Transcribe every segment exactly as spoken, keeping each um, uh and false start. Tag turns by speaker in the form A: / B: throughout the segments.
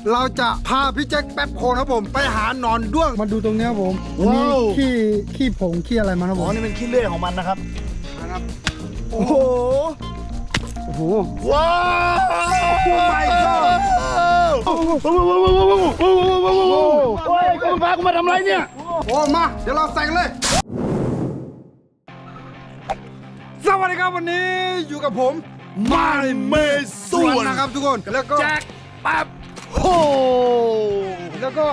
A: เราจะพาพี่แจ็คแป๊บโคนครับผมไปหาหนอนด้วงมาดูตรงนี้ครับผมนี่ขี้ขี้ผงขี้อะไรมาครับผ
B: อ๋อ
A: ม
B: นี่เป็นขี้เลื่อยของมันนะครับ
A: นะครับ
B: โอ้โห
A: โอ้โห
B: ว้าว
A: โอ้ my god
B: โอ้โหโอ้ยคุณพากูมาทำอะไรเนี่ย
A: โอ้มาเดี๋ยวเราใส่กันเลยสวัสดีครับวันนี้อยู่กับผมมาเมส่วนนะครับทุกคนแล้วก็
B: แจ็คแป๊บโฮ
A: แล้วก็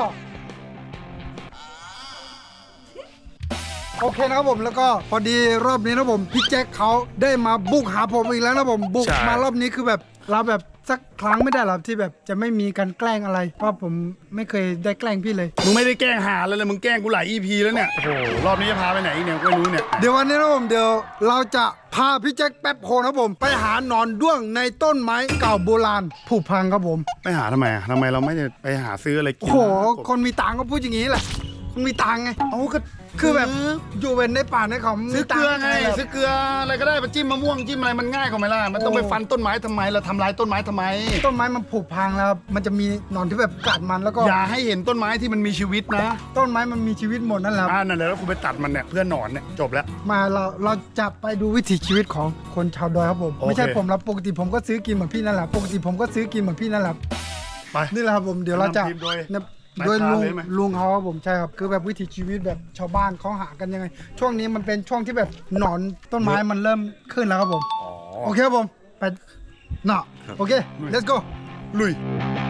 A: โอเคนะครับผมแล้วก็พอดีรอบนี้นะผมพี่แจ็คเขาได้มาบุกหาผมอีกแล้วนะผมบุกมารอบนี้คือแบบเราแบบสักครั้งไม่ได้หรอที่แบบจะไม่มีการแกล้งอะไรเพราะผมไม่เคยได้แกล้งพี่เลย
B: มึงไม่ได้แกล้งหาแล้วเลยมึงแกล้งกูหลาย อี พี แล้วเนี่ย โอ้โห รอบนี้จะพาไปไหนอีกเนี่ยกูไม่รู้เนี่ย
A: เดี๋ยววันนี้นะผมเดี๋ยวเราจะพาพี่แจ็คแป๊บโคนครับผมไปหาหนอนด้วงในต้นไม้เก่าโบราณผุพังครับผม
B: ไปหาทำไมอ่ะทำไมเราไม่ได้ไปหาซื้ออะไรกิ
A: โอ้โหคนมีตังค์ก็พูดอย่างนี้แหละคนมีตังค์ไง
B: เอาก็
A: คือแบบอยู่เป็นในป่าในเขา
B: ซื้อเกลือไง
A: ซื้
B: ซื้อเกลืออะไรก็ได้ไปจิ้มมะม่วงจิ้มอะไรมันง่ายกว่าไหมล่ะ มันต้องไปฟันต้นไม้ทำไมเราทำลายต้นไม้ทำไม
A: ต้นไม้มันผุพังแล้วมันจะมีหนอนที่แบบกัดมันแล้วก็
B: อย่าให้เห็นต้นไม้ที่มันมีชีวิตนะ
A: ต้นไม้มันมีชีวิตหมดนั่นแหละ
B: อ่านั่นแหละแล้วคุณไปตัดมันเนี่ยเพื่อหนอนเนี่ยจบแล้ว
A: มาเราเราจะไปดูวิถีชีวิตของคนชาวดอยครับผม
B: โอเค
A: ไม่ใช่ผมแล้วปกติผมก็ซื้อกินเหมือนพี่นั่นแหละปกติผมก็ซื้อกินเหมือนพี่นั่นแหละ
B: ไป
A: นี่แหละครับผมเดี๋ยวเราจะ
B: นำทีมโดย
A: เนี่ย
B: นาย
A: โดย
B: พราน
A: ลุง
B: เลยไหม
A: ลุงเขาครับผมใช่ครับคือแบบวิถีชีวิตแบบชาวบ้านเขาหากันยังไง ช่วงนี้มันเป็นช่วงที่แบบหนอนต้นไม้มันเริ่มขึ้นแล้วครับผม
B: อ๋อ
A: โอเคครับผมไปเนาะโอเค let's go
B: ลุย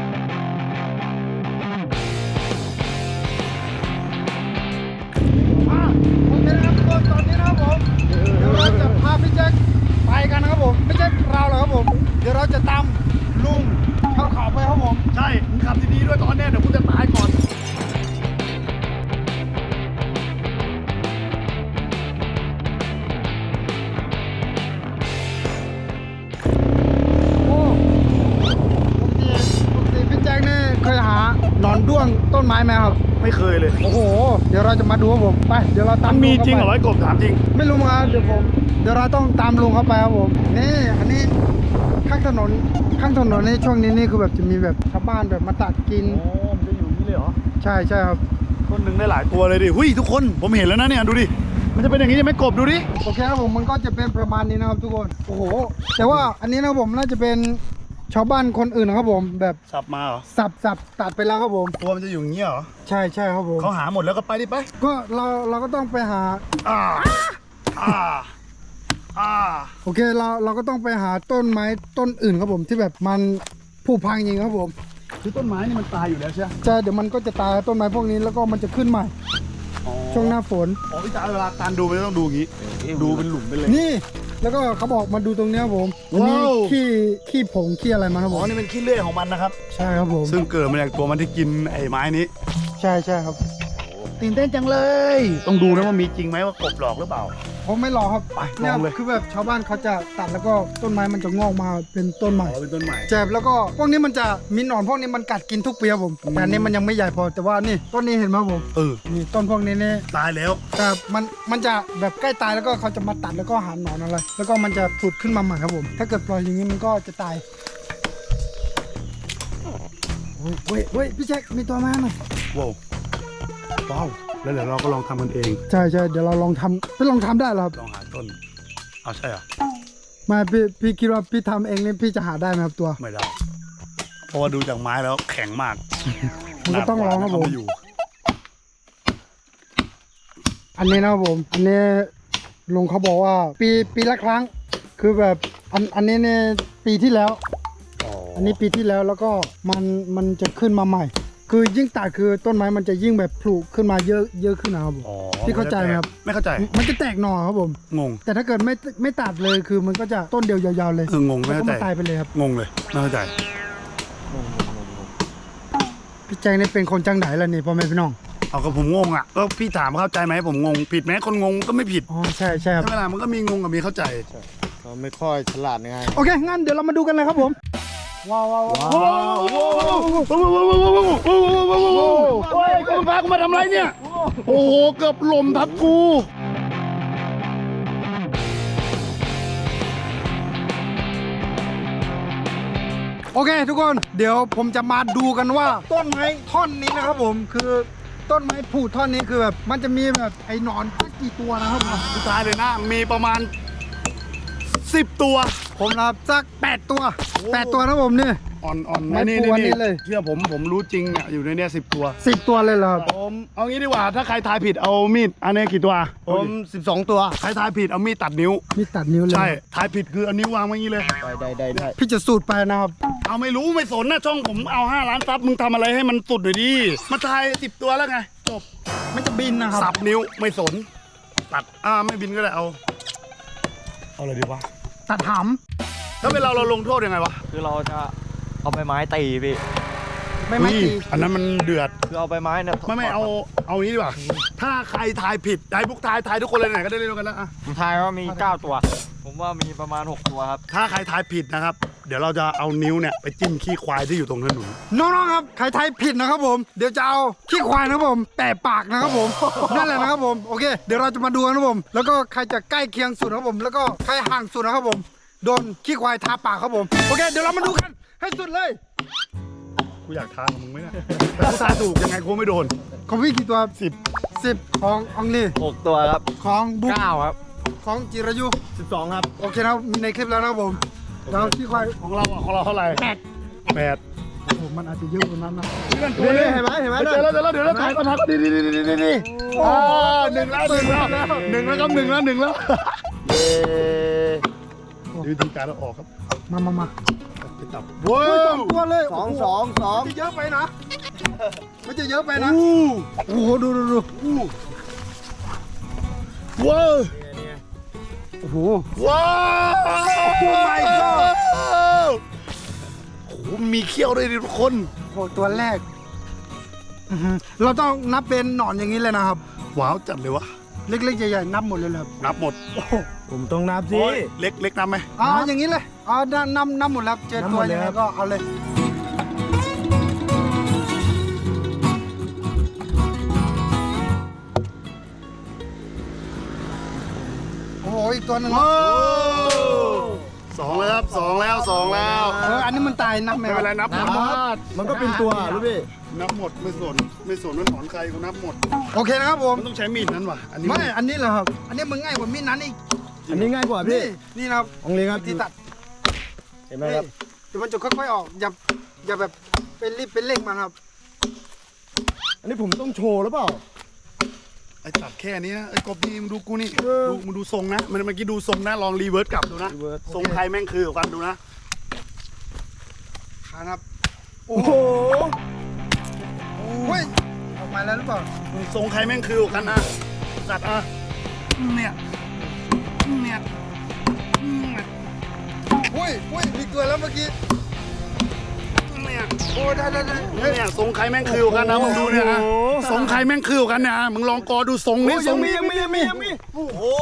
A: อ่ะโอเคนะครับทุกคนตอนนี้นะครับผมเดี๋ยวเราจะพาพี่แจ็คไปกันนะครับผมไม่ใช่เราหรอกครับผมเดี๋ยวเราจะตามลุงเข้าเขาไปครับผม
B: ใช่มึงขับดีๆด้วยตอนเนี้ยเดี๋ยวกูจะตายก่อน
A: โอ้ปกติปกติพี่แจ็คนี่เคยหาหนอนด้วงต้นไม้ไหมครับ
B: ไม่เคยเลย
A: โอ้โหเดี๋ยวเราจะมาดูครับผมไปเดี๋ยวเราตาม
B: มันมี
A: ลุ
B: จริงเหรอ
A: ข้าไป
B: ไอ้กบถามจริง
A: ไม่รู้เหมือนกันเดี๋ยวผมเดี๋ยวเราต้องตามลุงเข้าไปครับผมนี่อันนี้ข้างถนนข้างถนนในช่วงนี้นี่คือแบบจะมีแบบชาวบ้านแบบมาตัดกิน
B: โอ้มันจะอยู่นี่เลยเหรอ
A: ใช่ใช่ครับ
B: ต้นหนึ่งได้หลายตัวเลยดิหุ้ยทุกคนผมเห็นแล้วนะเนี่ยดูดิมันจะเป็นอย่างนี้ใช่ไหมกบดูดิ
A: โอเคครับผมมันก็จะเป็นประมาณนี้นะครับทุกคนโอ้โหแต่ว่าอันนี้นะครับผมน่าจะเป็นชาวบ้านคนอื่นนะครับผมแบบ
B: สับมาเหรอ
A: สับสับตัดไปแล้วครับผม
B: ตัวมันจะอยู่อย่างนี้เหรอ
A: ใช่ใช่ครับผม
B: เขาหาหมดแล้วก็ไปดิไป
A: ก็เราเราก็ต้องไปหา
B: อ่าอ่าอ่า
A: โอเคเราเราก็ต้องไปหาต้นไม้ต้นอื่นครับผมที่แบบมันผุพังจริงครับผม
B: คือต้นไม้นี่มันตายอยู่แล้วใช่ไหม
A: ใช่เดี๋ยวมันก็จะตายต้นไม้พวกนี้แล้วก็มันจะขึ้นใหม่
B: อ๋อ
A: ช่วงหน้าฝน
B: อ๋อพี่จ๋าเวลาการดูไม่ต้องดูอย่างนี้ดูเป็นหลุมไปเลย
A: นี่แล้วก็เขาบอกมาดูตรงเนี้ยครับผมอันนี้
B: ว้าว
A: ขี้ขี้ผงขี้อะไรมาครับ
B: อ๋
A: ผ
B: อ
A: ม
B: นี่เป็นขี้เลื่อยของมันนะครับ
A: ใช่ครับผม
B: ซึ่งเกิดมาจากตัวมันที่กินไอ้ไม้นี้
A: ใช่ใช่ครับ
B: ตื่นเต้นจังเลย ต้องดูนะว่ามีจริงไหมว่ากบหลอกหรือเปล่า
A: ผมไม่รอครับ
B: ไป
A: เนี่ย
B: ลองเลย
A: คือแบบชาวบ้านเขาจะตัดแล้วก็ต้นไม้มันจะงอกมาเป็นต้นใหม่
B: อ๋อเป็นต้นใหม่
A: แจบแล้วก็พวกนี้มันจะมีหนอนพวกนี้มันกัดกินทุกปีครับผมแต่อันนี้มันยังไม่ใหญ่พอแต่ว่านี่ต้นนี้เห็นไหมครับผม
B: เออ
A: นี่ต้นพวกนี้นี่
B: ตายแล้ว
A: แต่มันมันจะแบบใกล้ตายแล้วก็เขาจะมาตัดแล้วก็หาหนอนอะไร แล้วก็มันจะผุดขึ้นมาใหม่ครับผม ถ้าเกิดปล่อยอย่างนี้มันก็จะตายโอ้ยเว้ยเว้ยพี่แจ็คมีตัวมาหน่อย
B: ว้าวว้าวแล้วเดี๋ยวเราก็ลองทำกันเอง
A: ใช่ใช่เดี๋ยวเราลองทำไปลองทำได้เหรอครับ
B: ลองหาต้นเอาใช่เหรอ
A: ไมาพี่พี่คิดว่าพี่ทำเองนี่พี่จะหาได้ไหมครับตัว
B: ไม่ได้เพราะว่าดูจากไม้แล้วแข็งมาก
A: มันก็ต้องลองครับผม
B: เอาไอยู่
A: อันนี้นะครับผม อันนี้ลุงเขาบอกว่าปีปีละครั้ง คือแบบอันอันนี้เนี่ยปีที่แล้ว
B: อ๋อ
A: อันนี้ปีที่แล้วแล้วก็มันมันจะขึ้นมาใหม่ คือยิ่งตัดคือต้นไม้มันจะยิ่งแบบผลุขึ้นมาเยอะเยอะขึ้นนะครับผม
B: อ๋อ
A: พี่เข้าใจไหมครับ
B: ไม่เข้าใจ
A: มันจะแตกหน่อครับผม
B: งง
A: แต่ถ้าเกิดไม่ไม่ตัดเลยคือมันก็จะต้นเดียวยาวๆเลย
B: เอองงไม่
A: แล้วก็
B: เข้าใจ
A: มันตายไปเลยครับ
B: งงเลยไม่เข้าใจ
A: พี่แจงนี่เป็นคนจังไหนล่ะนี่พ่อแม่พี่น้อง
B: เอาก็ผมงงอ่ะก็พี่ถามเข้าใจไหมผมงงผิดไหมคนงงก็ไม่ผิด
A: อ๋อใช่ใช่ครับ
B: เวลามันก็มีงงกับมีเข้าใจ
C: เขาไม่ค่อยฉลาดไง
A: โอเคงั้นเดี๋ยวเรามาดูกันเลยครับผมว้าวว้าวว้าว
B: ว้าวว้าวว้าวว้าวว้าวว้าวว้าวว้าวว้าวว้าวว้าวโอ้ยคุณพากูมาทำอะไรเนี่ยโอ้โหเกือบหล่มทับกู
A: โอเค ทุกคนเดี๋ยวผมจะมาดูกันว่าต้นไม้ท่อนนี้นะครับผมคือต้นไม้ผูท่อนนี้คือแบบมันจะมีแบบไอ้หนอนสักกี่ตัวนะครับผม
B: สุดท้ายเลยนะ มีประมาณสิบตัว
A: ผมรับสักแปดตัวแปดตัวนะครับผมนี่
B: อ่อนอ่อน
A: ไม่
B: นี่
A: กลัว
B: นี่
A: นี่เลย
B: เชื่อผมผมรู้จริงเนี่ยอยู่ในเนี้ยสิบตัว
A: สิบตัวเลยเหรอครับ
B: ผมเอางี้ดีกว่าถ้าใครทายผิดเอามีดอันนี้กี่ตัว
C: ผมสิบสองตัว
B: ใครทายผิดเอามีดตัดนิ้ว
A: มีตัดนิ้วเลย
B: ใช่ทายผิดคือเอานิ้ววางไว้อย่างนี้เลย
C: ได้ได้ได้ได้
A: พี่จะสูตรไปนะครับ
B: เอาไม่รู้ไม่สนนะช่องผมเอาห้าล้านซับมึงทำอะไรให้มันสุดหน่อยดิมาทายสิบตัวแล้วไงจบ
A: มันจะบินนะค
B: สั
A: รับบ
B: นิ้วไม่สน ตัดอ่าไม่บินก็ได้เอาเอาอะไรดีวะ
A: ตัดห
B: ถ้าเป็นเราเราลงโทษยังไงวะ
D: คือเราจะเอาใบไม้ตีพี่
A: ำไม่ไม่
B: อุ้ย
A: ตี
B: อันนั้นมันเดือด
D: คือเอาใบไม้เนี่ย
B: ไม่ไม่เอาเอางี้ดีกว่าถ้าใครทายผิดให้พวกทายทายทุกคนเลยไหนก็ได้เล่นกันแล้วอะ
D: ผมทายว่ามีเก้าตัว ผมว่ามีประมาณหกตัวครับ
B: ถ้าใครทายผิดนะครับ เดี๋ยวเราจะเอานิ้วเนี่ยไปจิ้มขี้ควายที่อยู่ตรงถนน
A: น้องๆครับใครทายผิดนะครับผมเดี๋ยวจะเอาขี้ควายนะครับผมแปะปากนะครับผมนั่นแหละนะครับผมโอเค เดี๋ยวเราจะมาดูกันนะครับผม แล้วก็ใครจะใกล้เคียงสุดนะครับผม แล้วก็ใครห่างสุดนะครับผมโดนขี้ควายทาปากครับผมโอเคเดี๋ยวเรามาดูกันให้สุดเลย
B: กูอยากทายกับมึงไหมเนี่ยแต่กูทายถูกยังไงกูไม่โดน
A: ของพี่กี่ตัว
B: สิบ
A: สิบของอองลี
D: หกตัวครับ
A: ของบุ๊ก
D: เก้าครับ
A: ของจิรายุ
C: สิบสองครับ
A: โอเคนะครับมีในคลิปแล้วนะครับผมแล้วขี้ควาย
B: ของเราอะของเราเท่าไหร่แปดแปด
A: โอ้โหมันอาจจะเยอะกว่านั้นนะ
B: เพื่อนตัวนี้
C: เห็นไหมเห็นไหม
B: เจอแล้วเจอแล้วเดี๋ยวเราถ่ายก่อนถ่ายก่อนดีดีดีดีดีดีอ่าหนึ่งแล้วหนึ่งแล้วหนึ่งแล้วครับหนึ่งแล้วหนึ่งแล้ว
C: เย้
B: วิธีการเราออกครับ
A: มามามา
B: ไปตับว้า
A: เฮ้ยสอ
B: ว
A: งตัวเลย
C: สอง
A: โโห
C: สองสอง
A: มันจะเยอะไปนะมันจะเยอะไปนะ
B: อู้
A: โอ้โหดูดูดู
B: อู้ว้าว
A: โอ้โห
B: ว้าว
A: โอ้ my god
B: โอ้โหมีเขี้ยวด้วยดิทุกคน
A: โอ้โหตัวแรกอื้อหือเราต้องนับเป็นหนอนอย่างนี้เลยนะครับ
B: ว้าวจัดเลยวะ
A: เล็กๆใหญ่ๆนับหมดเลยเหรอครับ
B: นับหมด
A: โอ้โห
C: ผมต้องนับสิ
B: โอ้ยเล็กเล็กนับไหม
A: อ๋ออย่างนี้เลยอ๋อนับนับนับหมดแล้วเจอ
C: นับห
A: ตั
C: ม
A: ว
C: ดเลย
A: ยังไง
C: ครับ
A: ก็เอาเลยโอ้โหอีกตัวหนึง
B: ว้าวสองแล้วครับสองแล้วสองแล้ว
A: เอออันนี้มันตายนับไหม
B: ไม่
A: ค
B: เป็นไร
A: รับ
B: นับหมด
C: มันก็เป็นตัวรู้พี่
B: นับหมดไม่สนไม่สนว่าถอนใครกูนับหมด
A: โอเคนะครับผม
B: มันต้องใช้มีดนั้นว่ะอันนี้
A: ไม่อันนี้เหรอครับอันนี้มึงง่ายกว่ามีดนั้นอีก
C: อันนี้ง่ายกว่าพี่
A: นี่นี่นะครับ
C: องลีครับ
A: ที่ตัด
C: เห็นไหมครับ
A: เดี๋ยวมันจะค่อยๆออกอย่าอย่าแบบเป็นรีบเป็นเร่งมันครับ
C: อันนี้ผมต้องโชว์หรือเปล่า
B: ไอ้ตัดแค่นี้นะไอ้กบนี่มึงดูกูนี่ดูมึงดูทรงนะมันเมื่อกี้ดูทรงนะลองรีเวิร์สกลับดูนะ
C: reverse
B: ทรงใครแม่งคือกันดูนะ
A: ครับ
C: โอ้โห
A: เฮ้ยออกมาแล้วหรือเปล่า
B: ทรงใครแม่งคือกันนะตัดอ่ะเนี่ยเนี่ยเนี่ย
A: เฮ้ยเฮ้ยมีตัวแล้วเมื่อกี้
B: เนี่ย
A: โอ้ได้ได้ได้
B: เนี่ยทรงใครแม่งคือกันนะมึงดูเนี่ยนะทรงใครแม่งคือกันเนี่ยมึงลองกอดูทรงนี้ทรงนี้
C: ยังมียังมียังมีโอ้โห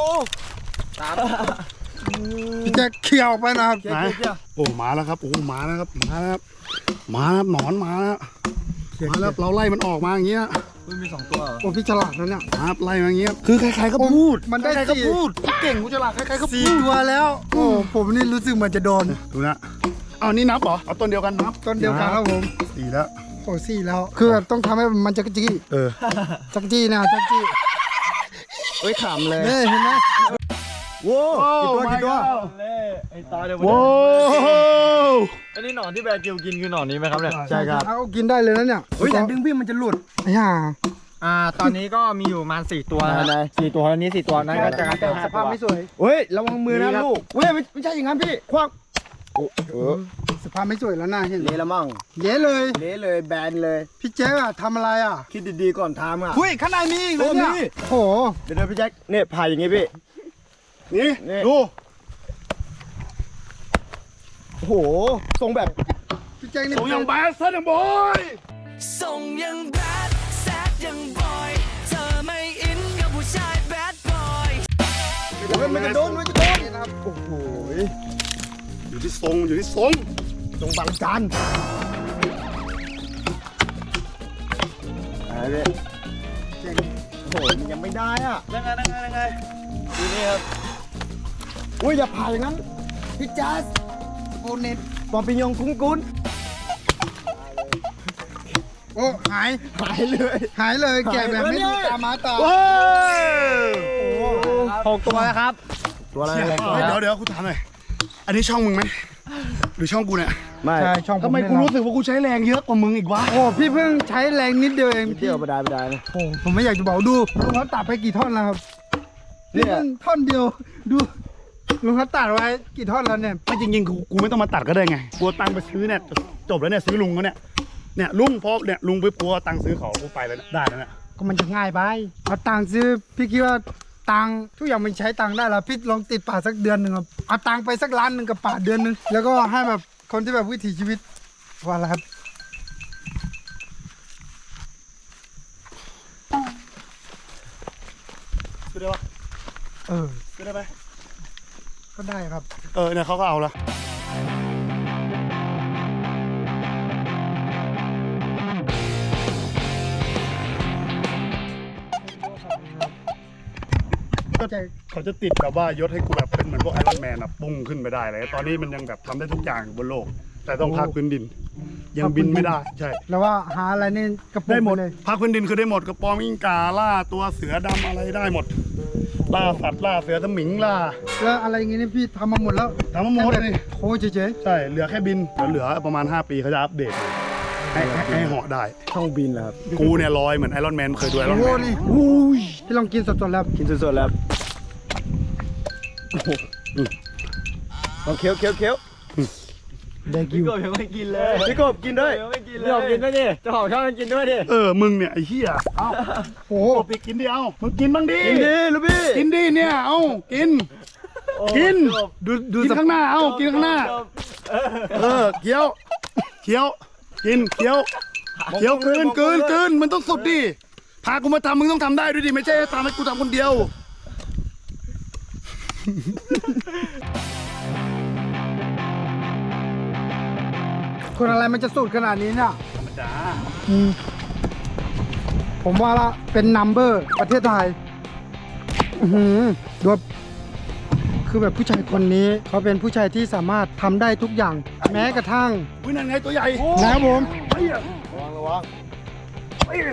A: พี่แจ็คเขี่ยวออกไปนะครับ
B: ไหนโอ้มาแล้วครับโอ้มาแล้วครับมาแล้วครับมาแล้วหนอนมาแล้วมาแล้วเราไล่มันออกมาอย่างเงี้ย
C: มันมีสองตัวเหรอ
A: โอ้พี่ฉลาดนะเนี่ย
B: ครับไล่มาอย่างเงี้ยคือใครๆก็พูด
A: มันได้
B: ใครๆก็
A: สี่
B: พูดกูเก่งกูฉลาดใครๆก็พู
A: สี่
B: ด
A: ตัวแล้ว โอ้ผมนี่รู้สึกเหมือนจะโดน
B: ดูนะเอานี่นับเหรอเอาต้นเดียวกันนับ
A: ต้นเดียวกันครับผม
B: สี่แล้ว
A: โอ้สี่แล้ว คือแบบต้องทำให้มันจักรจี้
B: เออ
A: จักรจี้นะจักรจี้
C: เฮ้ยขำเลย
A: เฮ้ยเห็นไหม
C: โว้กี่ตัวกี่ตัว
D: เล่ไอ้ตาเดี๋ยว
B: โว้ว
D: อันนี้หนอนที่แบร์กิวกินคือหนอนนี้ไหมครับเนี่ย
C: ใช่ครับ
A: เอากินได้เลยนะเนี่ย
C: เฮ้ยแต่ดึงพี่มันจะหลุด
A: ไอ้ห่า
D: อ่า ตอนนี้ก็มีอยู่ประมาณสี่ตัวนะ
C: ไหน
D: สี่ตัวอันนี้สี่ตัวนั้นก็จะกระจาย
A: สภาพไม่สวย
C: เฮ้ยระวังมือนะ
D: นี่ครับ
C: ลูกเฮ้ยไม่ไม่ใช่อย่างนั้นพี่ควักเออ
A: สภาพไม่สวยแล้วนะเห็นไหม
C: เละละมั่ง
A: เย้เลย
C: เละเลยแบนเลย
A: พี่แจ๊คอะทำอะไรอะ
C: คิดดีๆก่อนทำอ่ะ
A: หุ้ยข้างในมีอีกเลย
C: โอ้
A: เนี่ย
C: มี
A: โอ้โห
C: เดี๋ยวเดี๋ยวพี่แจ็คเนี่ยผ่าอย่างงี้พี่
B: นี่
C: นี่
B: ดู
C: โอ้โหทรงแบบ
A: พี่แจ๊คนี่
B: ส่งอย่างแบสเซอร์อย่างบอย
E: ส่งยังแบดแซดยังบอย เธอไม่อินกับผู้ชายแบดบอย
C: เฮ้ยมันจะโดนมันจะโดน
A: นะครับ
C: โอ้โห
B: อยู่ที่ทรงอยู่ที่ทรง
C: ทรงบางจานอะไรพี่
A: เจ๋ง
C: โอ้โหมันยังไม่ได้อ่ะ
D: ยังไงยังไงยังไงดูนี่ครับ
C: อุ้ยอย่าผ่าอย่างนั้นพี่แจ๊ส
A: โอเน็ต
C: ปอมปิญญงคุ้งกุ้น
A: โอ้หาย
C: หายเลย
A: หายเลยแกะแบบไม่ดูตามาตา
B: โอ้ย
D: หกตัวแล้วครับ
C: ตัวอะไร
B: เชี่ย
C: อะไร
B: เฮ้ยเดี๋ยวเดี๋ยวกูถามหน่อยอันนี้ช่องมึงไหมหรือช่องกูเนี่ย
C: ไม่
A: ใช่ช่องผ
B: ทำไม
A: เนี่ย
B: กูรู้สึกว่ากูใช้แรงเยอะกว่ามึงอีกวะ
A: โอ้พี่เพิ่งใช้แรงนิดเดียวเอง
C: เที่ยวไปได้ไปได้นะ
A: โอ้ผมไม่อยากจะบอกดูลุงเขาตัดไปกี่ท่อนแล้วครับ
C: เนี่ย
A: นี่เพิ่งท่อนเดียวดูลุงเขาตัดไว้กี่ท่อนแล้วเนี่ย
B: ไม่จริงๆกูกูไม่ต้องมาตัดก็ได้ไงกูเอาตังค์ไปซื้อเนี่ยจบแล้วเนี่ยซื้อลุงเขาเนี่ยเนี่ยลุงพอเนี่ยลุงไปปัวตังค์ซื้อเขากูไปแล้วเนี่ยได้แล้วเนี่ย
A: ก็มันจะง่ายไปเอาตังค์ซื้อพี่คิดว่าตังค์ทุกอย่างมันใช้ตังค์ได้แล้วพี่ลองติดป่าสักเดือนหนึ่งครับเอาตังค์ไปสักล้านหนึ่งกับป่าเดือนหนึ่งแล้วก็ให้แบบคนที่แบบวิถีชีวิตว่าอะไรครับ
B: ซื้อได้ปะ
A: เออ
B: ซื้อได้ไหม
A: ก็ได้ครับ
B: เออเนี่ยเขาก็เอาละก็
A: ใจ
B: เขาจะติดแบบว่ายศให้กูแบบเป็นเหมือนพวกไอรอนแมนอะปุ้งขึ้นไปได้เลยตอนนี้มันยังแบบทำได้ทุกอย่างอยู่บนโลก แต่ต้องพักพื้นดิน ยังบินไม่ได้ใช่
A: แล้วว่าหาอะไรนี่กระปุก
B: ได้หมด
A: เลย
B: พักพื้นดินคือได้หมดกระปอมอิงกาล่าตัวเสือดำอะไรได้หมด ล่าสัตว์ล่าเสือสมิงล่า
A: แล้วอะไรอย่างงี้นี่พี่ทำมาหมดแล้ว
B: ทำมาหมด
A: แค่
B: เลย
A: แบบโอ้เจ๊
B: ใช่เหลือแค่บินเดี๋ยวเหลือประมาณห้าปีเขาจะอัปเดตให้ให้ให้เหาะได้
C: ช่องบินเหรอครับ
B: กูเนี่ยลอยเหมือนไอรอนแมนเคยดูไอร
A: โอ้
B: อน
A: โห
B: แมน
A: นี่อุ้ยพี่ลองกินสดๆแล้ว
C: กินสดๆแล้วโอ้โหลองเคี้ยวเคี้ยวเคี้ยว
A: ได้กิว
D: กบยังไม่กินเลย
C: พี่กบกินด้วย
D: ยังไม่กินเลยพี่กบกินด้วยดิเจ้าของช่องกินด้วยดิ
B: เออมึงเนี่ยไอ้เหี้ยเอ้า
A: โอ้โห
B: โอ้ปีกินดิเอ้ามึงกินบ้างดิ
C: กินดีลูกพี่
B: กินดิเนี่ยเอ้ากิน กิน
A: ดูดู
B: กิน
A: ส
B: ข้างหน้าเอ้ากินข้างหน้า เออเคี้ยวเคี้ยวกินเคี้ยวเคี้ยวกลืนกลืนกลืนมันต้องสุดดิพากูมาทำมึงต้องทำได้ด้วยดิไม่ใช่ทำให้กูทำคนเดียว
A: คนอะไรมันจะสูตรขนาดนี้เนี่ย
B: ธรรมดา
A: อืมผมว่าละเป็นนัมเบอร์ประเทศไทย อือหือดูแบบคือแบบผู้ชายคนนี้เขาเป็นผู้ชายที่สามารถทำได้ทุกอย่าง แม้กระทั่ง
B: อุ้ยนั่นไงตัวใหญ่
A: นะครับผม
B: เฮ้ย
C: ระวังระวัง
B: เฮ้ย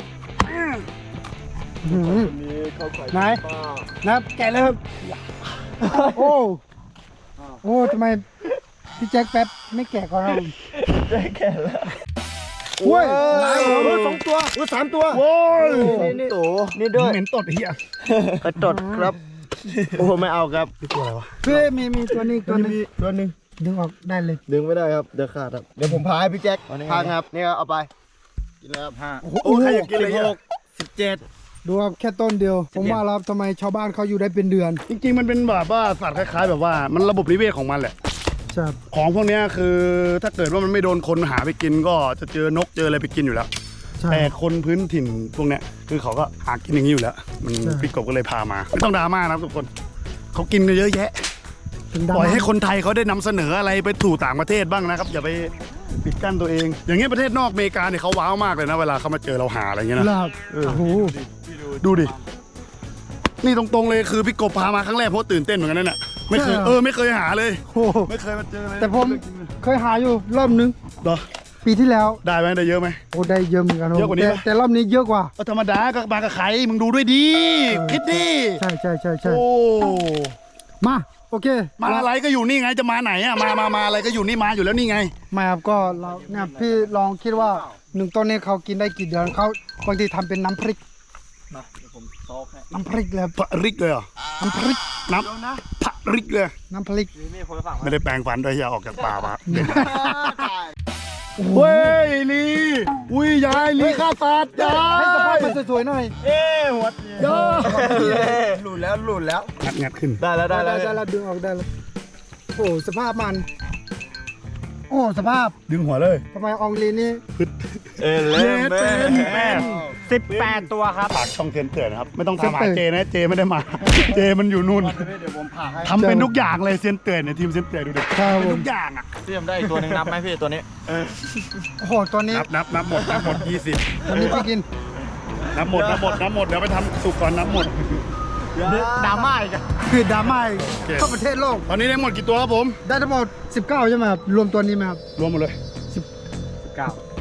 A: อื้อหือ
C: มีเข้าไข่
A: ไหน นะครับแกะเลยครับ โอ้ โอ้ทำไมพี่แจ็คแป๊บไม่แกะก่อนครับ
C: ได้แค่แล้ว
A: โอ้ยหลายหัว
C: โอ้ยสองตัวโอ้ยสามตัว
B: โว้ย
C: นี่ตัวนี่ด้วย
B: เหม็นตดไอ้เหี้ย
C: กระจดครับ โอ้โหไม่เอาครับ
B: นี่ตัวอะไรวะ
A: พี่มีมีตัวนี้ตัวหนึง
C: ตัวหนึ่ง
A: ดึงออกได้เลย
C: ดึงไม่ได้ครับ เดี๋ยวขาดครับ เดี๋ยวผมพาให้พี่แจ็คพาครับ นี่ครับเอาไป กินแล้วครับห้า
A: โอ้โห
B: โอ้ใครอยากกินเลยอ่ะ
C: สิบเจ็ด
A: ดูครับแค่ต้นเดียว ผมว่าแล้วทำไมชาวบ้านเขาอยู่ได้เป็นเดือน
B: จริงๆมันเป็นแบบว่าสัตว์คล้ายๆแบบว่ามันระบบนิเวศของมันแหละ
A: ใช่ครับ
B: ของพวกเนี้ยคือถ้าเกิดว่ามันไม่โดนคนหาไปกินก็จะเจอนกเจออะไรไปกินอยู่แล้ว
A: ใช่
B: แต่คนพื้นถิ่นพวกเนี้ยคือเขาก็หากินอย่างนี้อยู่แล้ว มัน
A: ใช่
B: พี่กบก็เลยพามาไม่ต้องดราม่านะครับทุกคนเขากินกันเยอะแยะ
A: ถึงดำ
B: ปล่อยให้คนไทยเขาได้นำเสนออะไรไปถูต่างประเทศบ้างนะครับอย่าไปปิดกั้นตัวเอง อย่างเงี้ยประเทศนอกอเมริกาเนี่ยเขาว้าวมากเลยนะเวลาเขามาเจอเราหาอะไรเงี้ยนะ
A: ลาบ
B: เออ
A: โอ้โห
B: ดูดินี่ตรงๆเลยคือพี่กบพามาครั้งแรกเพราะตื่นเต้นเหมือนกันนั่นแหละไม่เคยเออไม่เคยหาเลย
A: โอ้โห
B: ไม่เคยมาเจอเลย
A: แต่ผมเคยหาอยู่รอบนึง
B: เหรอ
A: ปีที่แล้ว
B: ได้ไหมได้เยอะไหม
A: โอ้ได้เยอะเหมือนกัน
B: เยอะกว่านี้
A: แต่
B: ปะ
A: แต่รอบนี้เยอะกว่า
B: ก็ธรรมดาก็มากับใครมึงดูด้วยดีคิดดิ
A: ใช่ใช่ใช่ใช่
B: โอ้
A: มาโอเค
B: มาอะไรก็อยู่นี่ไงจะมาไหนอ่ะมามามาอะไรก็อยู่นี่มาอยู่แล้วนี่ไง
A: ไม่ครับก็เราเนี่ยพี่ลองคิดว่าหนึ่งต้นนี้เขากินได้กี่เดือนเขาบางทีทำเป็นน้ำพริก
D: มาเดี๋ยวผมซอกให้
A: น้ำพริกเลยครับ
B: พระริกเลยเหรอ
A: น้ำพริก
B: น้ำพระริกเลย
A: น้ำพริก
D: มีมีดคนละฝั่ง
B: ไม่ได้แปลงฟันด้วยที่เอาออกจากป่ามา
A: โอ้โห
B: เฮ้ยลีอุ้ยยายลีฆ่าสัตว์ยา
A: ให้สภาพ
B: ย
A: มันสวยๆหน่อย
C: เอ้หัวย
B: า
C: หลุดแล้วหลุดแล้ว
B: งัดงัดขึ้น
C: ได้แล้วได้
A: ได้
C: แล้ว
A: ได้แล้วดึงออกได้แล้วโอ้โหสภาพมัน โอ้สภาพ
B: ดึงหัวเลย
A: ทำไมอองลีนี่
C: เอเล
B: เย็ดเป็นแม่
D: สิบแปดตัวครับ
B: ฝากช่องเซนเตือนนะครับไม่ต้องตามหาเจนะเจไม่ได้มา เจมันอยู่นู่น
C: เดี๋ยวผมผ่าให้
B: ทำเป็นทุกอย่างเลยเซนเตือนเนี่ยทีมเซนเตือนดูดิ
A: ครับผ
B: เป็น
A: ม
B: ทุกอย่างอ่ะ
D: เตรียมได้อีกตัวหนึ่งนับไหมพี่ตัวนี้
A: โอ้โหตัวนี้
B: นับนับนับหมดนับหมดยี่สิบ
A: ตัวนี้พี่กิน
B: นับหมดนับหมดนับหมดเดี๋ยวไปทำสุกก่อนนับหมด
D: ดราม่าอีกอะ
A: คือดราม่าอีก
B: โอเค
A: ทั่วประเทศโลก
B: ตอนนี้ได้หมดกี่ตัวครับผม
A: ได้ทั้งหมดสิบเก้าใช่ไหมครับรวมตัวนี้ไหมครับ
B: รวมหมดเลย
D: เก้า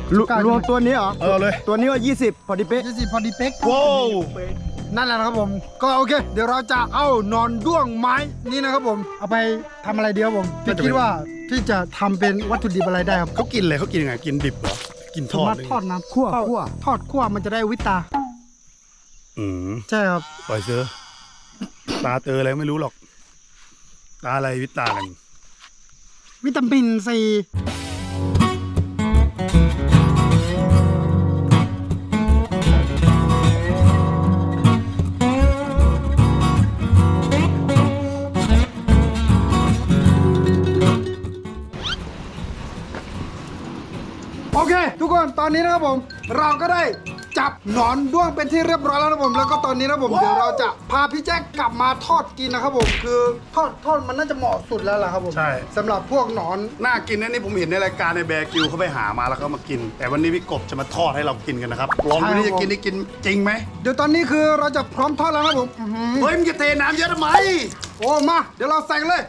C: รวรวมตัวนี้เหรอ
B: เออเลย
C: ตัวนี้ว่ายี่สิบพอดีเป๊ะ
A: ยี่สิบพอดีเป๊ก
B: ว้าว
A: นั่นแหละนะครับผม ก็โอเค เดี๋ยวเราจะเอาหนอนด้วงไม้นี่นะครับผม เอาไปทำอะไรดีครับผมพี่คิดว่าที่จะทำเป็นวัตถุดิบอะไรได้ครับ
B: เขากินอะไรเขากินยังไงกินดิบเหรอกินท
A: สา
B: อด
A: มารถ
B: เลย
A: ทอดน้ำ
C: คั่ว
A: ทอด
C: คั่ว
A: ทอดคั่วมันจะได้วิตา
B: อืม
A: ใช่ครับ
B: ปล่อยเสือตาเตออะไรไม่รู้หรอก ตาอะไรวิตากัน
A: วิตามินซี โอเค ทุกคนตอนนี้นะครับผม เราก็ได้จับหนอนด้วงเป็นที่เรียบร้อยแล้วนะผม แล้วก็ตอนนี้นะผมเดี๋ยวเราจะพาพี่แจ็คกลับมาทอดกินนะครับผม คือทอดทอดมันน่าจะเหมาะสุดแล้วล่ะครับผม
B: ใช่
A: สำหรับพวกหนอน
B: น่ากินนะนี่ผมเห็นในรายการในแบร์กิวเขาไปหามาแล้วเขามากิน แต่วันนี้พี่กบจะมาทอดให้เรากินกันนะครับลองดูนี่จะกินได้กินจริงไหม
A: เดี๋ยวตอนนี้คือเราจะพร้อมทอดแล้วนะผมอื้อหือ
B: เฮ้ยมึงจะเทน้ำเยอะทำไม
A: โอ้มา เดี๋ยวเราใส่กันเลย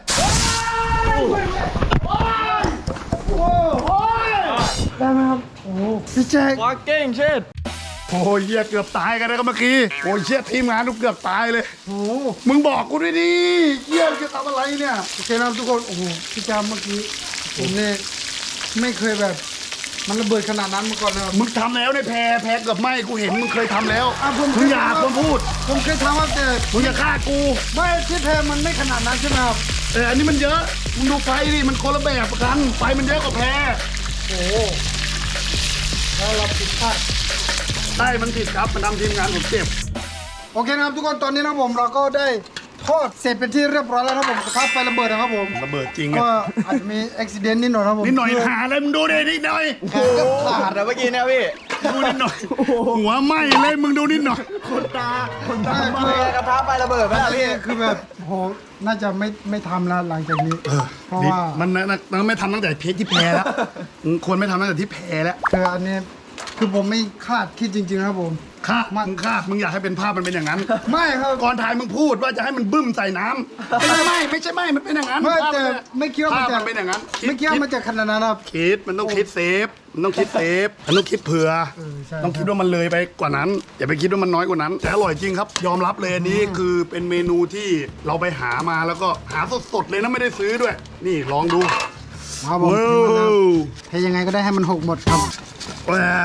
A: ได้ไหมครับ โอ้พี่แจ็ค
D: วาเก้งเชิด
B: โอ้ยเหี้ยเกือบตายกันนะครับเมื่อกี้โอ้ยเชี่ยทีมงานทุกเกือบตายเลย
A: โอ้
B: มึงบอกกูด้วยดิเหี้ยจะทำอะไรเนี่ย
A: โอเคนะครับทุกคน โอ้โห พี่แจ็คเมื่อกี้ผมเนี่ยไม่เคยแบบ มันระเบิดขนาดนั้นมาก่อนนะครับ
B: มึงทำแล้วในแพรแพรเกือบไหมกูเห็นมึงเคยทำแล้ว
A: อ่ะผม
B: มึงอย่าควรพูด
A: ผมเคยทำว่าแต่
B: มึงอย่าฆ่ากู
A: ไม่ที่แพรมันไม่ขนาดนั้นใช่ไหมครับ
B: เอออันนี้มันเยอะ มึงดูไฟดิ มันคนละแบบกัน ไฟมันเยอะกว่าแพร
A: โอ้โหแล้วเราผิดพลาด
B: ใช่มันผิดครับ มันทำทีมงานผมเจ็บ
A: โอเคนะครับทุกคนตอนนี้นะครับผมเราก็ได้ทอดเสร็จเป็นที่เรียบร้อยแล้วนะครับผมกระทะไฟระเบิดนะครับผม
B: ระเบิดจริง
A: ก็
B: อะ
A: อาจจะมีอุบิเหตุนิดหน่อยนะครับผม
B: นิดหน่อย
A: คือ
B: หาอะไรมึงดูดินิดหน่อย
A: แขนก็ขา
D: ขา
A: ด
D: ดอะเมื่อกี้เนี่ยพี่
B: ดูนิดหน่อย หัวไหม้เลยมึงดูนิดหน่อย
C: คนตาคนตา
A: ใช่
C: มา
A: คือก
D: ระทะไประเบิดไหม
A: อั
D: ล่ะ
A: นนี้
D: พี่
A: คือแบบโหน่าจะไม่ไม่ทำแล้วหลังจากนี้เพราะ
B: นี่
A: ว่า
B: มันนะมันไม่ทำตั้งแต่เพจที่แพรแล้วมึงควรไม่ทำตั้งแต่ที่แพรแล้ว
A: คืออันนี้คือผมไม่คาดคิดจริงๆนะครับผม
B: คาดมึงคาดมึงอยากให้เป็นภาพมันเป็นอย่างนั้น
A: ไม่ครับ
B: ก่อนถ่ายมึงพูดว่าจะให้มันบึ้มใส่น้ำไม่ใช่ไม่ไม่ใช่ไม่มันเป็นอย่างนั้น
A: ไม่
B: ภาพ
A: แต่
B: น
A: ไม่คิดว่ามัน
B: ภาพ
A: จะ
B: มันเป็นอย่างนั้น
A: ไม่คิดว่ามันจะขนาดนั้นครับ
B: คิดมันต้องคิดเซฟ มันต้องคิดเซฟ มันต้องคิดเผื่อ
A: เออใช่
B: ต้องคิดว่ามันเลยไปกว่านั้น อย่าไปคิดว่ามันน้อยกว่านั้น แต่อร่อยจริงครับ ยอมรับเลยอันนี้คือเป็นเมนูที่เราไปหามาแล้วก็หาสดๆเลยนะไม่ได้ซื้อด้วย นี่ลองดู
A: ครับผม
B: ว้า
A: คือมันนะ
B: ว
A: เทยังไงก็ได้ให้มันหกหมดครับ
B: ว้าว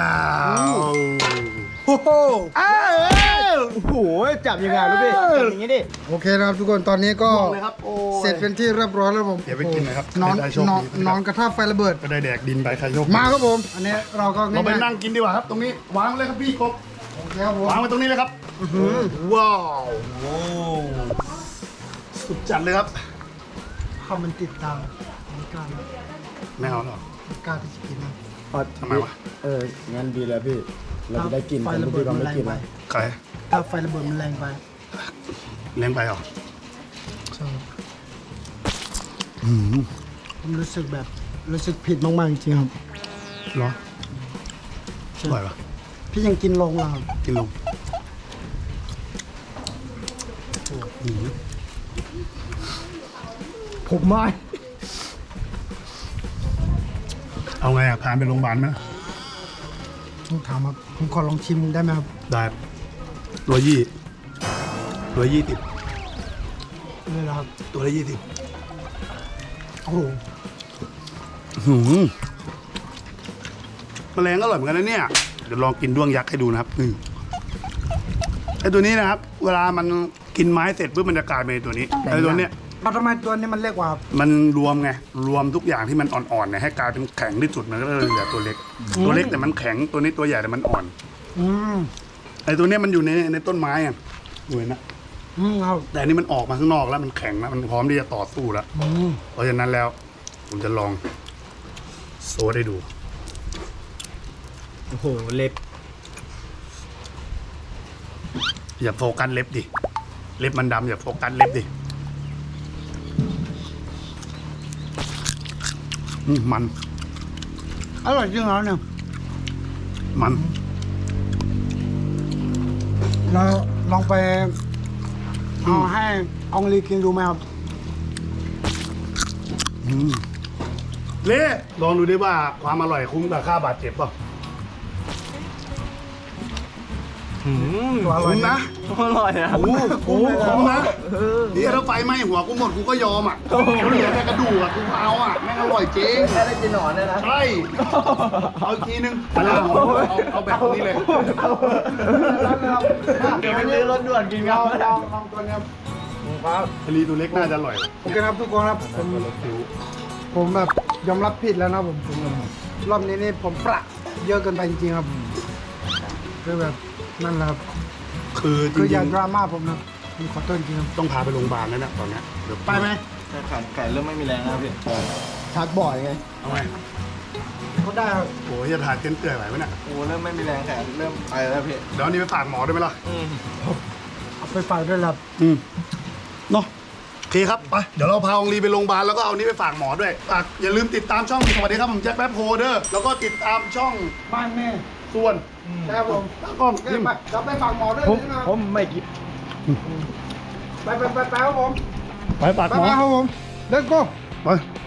A: โอ้โห
B: อ้าว
C: โอ้โหจับยังไงลูกพี่จับอย่างนี้ดิ
A: โอเคนะครับทุกคนตอนนี้ก็
B: บอกเลยครับโอ้ย
A: เสร็จเป็นที่เรียบร้อยแล้วผม
B: อย่าไปกินนะครับ
A: นอน
B: ไม่ได้โชคน
A: อน
B: ดีนะครับ
A: นอนกระทะไฟระเบิด
B: ก็ได้แดกดินไปใครโชค
A: มาครับผม อันนี้เราก็
B: เราไป
A: ง่ายๆ
B: นั่งกินดีกว่าครับ ตรงนี้วางเลยครับพี่กบ
A: โอเคครับผม
B: วางไว้ตรงนี้เลยครับว้าวโอ้สุดจัดเลยครับ
A: ข้าวมันติดตามไม่กล้านะ
B: ไม่เอาหรอก
A: ไม่กล้าที่จะกินนะ
B: ทำไมวะ
C: เอองั้นดีแล้วพี่ เราจะได้กิน
A: ไฟ
C: กัน
A: ระ
C: ลูก
A: เบิด
C: พี่เรา
A: มัน
C: ไม่
A: แรง
C: กิน
A: ไป
C: นะ
B: ใคร
A: ถ้าไฟระเบิดมันแรงไป
B: เลี้ยงไปเหรอ
A: ใช่ผมรู้สึกแบบรู้สึกผิดมากๆจริงๆครับ
B: เหรออร่อยปะ
A: พี่ยังกินลงเหรอครับ
B: กินลงอืม
A: ผมไม่
B: เอาไงอ่ะพานไปโรงพยาบาลไหม
A: ต้องถามครับผมขอลองชิมได้ไหมครับ
B: ได้ร้อยยี่ร้อยยี่สิบ
A: นี่แหละครับ
B: ตัวละยี่สิบ
A: โอ้โห
B: หืมแมลงอร่อยเหมือนกันนะเนี่ย เดี๋ยวลองกินด้วงยักษ์ให้ดูนะครับนี่ไอตัวนี้นะครับ เวลามันกินไม้เสร็จปุ๊บมันจะกลายเป็นตัวนี้ไอตัวเนี้ย
A: แล้วทำไมตัวนี้มันเล็กกว่าครับ
B: มันรวมไง รวมทุกอย่างที่มันอ่อนๆเนี่ยให้กลายเป็นแข็งที่สุดมันก็เลยเหลือตัวเล็ก ตัวเล็กแต่มันแข็งตัวนี้ตัวใหญ่แต่มันอ่อน
A: อืม
B: ไอตัวเนี้ยมันอยู่ในในต้นไม้อ่ะดูเห็นนะ
A: อืมครับ
B: แต่อันนี้มันออกมาข้างนอกแล้วมันแข็งแล้วมันพร้อมที่จะต่อสู้แล้ว
A: อืม
B: เพราะฉะนั้นแล้ว ผมจะลองโซดให้ดู
C: โอ้โหเล็บ
B: อย่าโฟกัสเล็บดิ เล็บมันดำอย่าโฟกัสเล็บดิอืมมัน
A: อร่อยจริงเหรอเนี่ย
B: มัน
A: เราลองไปเอาให้อองลีกินดูไหมครับ
B: เละลองดูดิว่าความอร่อยคุ้มกับค่าบาดเจ็บเปล่ะ
A: ตัวอร่อย
B: คุ้มนะ
D: อร่อยนะ
B: โอ้โหคุ้มนะนี่ถ้าไฟไหม้หัวกูหมดกูก็ยอมอ่ะกูเหลือแต่กระดูกอ่ะกูเอาอ่ะแม่งอร่อยจริง
C: แค่ได้กินหนอนเนี่ยนะ
B: ใช่เอาอีกทีนึงเอาเอาเอาแบบนี้เลย
D: เดี๋ยวไปซื้อรถด่วนกินกัน
A: ลองลองตัวเนี้ย
B: ทะเลตัวเล็กน่าจะอร่อย
A: โอเคครับทุกคนครับผมผมแบบยอมรับผิดแล้วนะผมผมรอบนี้นี่ผมประเยอะเกินไปจริงๆครับคือแบบนั่นแหละครับ
B: คือจ
A: คืออ
B: ริ
A: ย่าง ดราม่าผมนะผมขอโทษจริงๆครับ
B: ๆต้องพาไปโรงพยาบาลแล้วนะตอนเนี้ยเดี๋ยวไปไหม
D: ไข่ไข่เริ่มไม่มีแรงแล้วพี่
C: ชักบ่อยไง
B: เอาไหม
A: ก็ได้ครับ
B: โอ้ยจะถ่ายเต้นเตื่อยไหวไหมเนี่ย
D: โอ้เริ่มไม่มีแรงแขนเริ่มไปแล้วพี่
B: เดี๋ยวอันนี้ไปฝากหมอด้วยไหมล่ะ
D: อืม
A: เอาไปฝากด้วยครับ
B: อืมเนาะโอเคครับไปเดี๋ยวเราพาองลีไปโรงพยาบาลแล้วก็เอานี้ไปฝากหมอด้วยฝากอย่าลืมติดตามช่องสวัสดีครับผมแจ็คแป๊บโฮเดอร์แล้วก็ติดตามช่อง
A: บ้านแม่
B: ส่วน
A: ครับผม
B: ตากล้อง
A: โอเคไปเราไปฝากหมอด้วย
C: ผม
A: นะ
C: ผมไม่กิน
A: ไปไปไปไปครับผม
B: ไปฝาก
A: ไป
B: หมอ
A: ไปครับผม let's go
B: ไป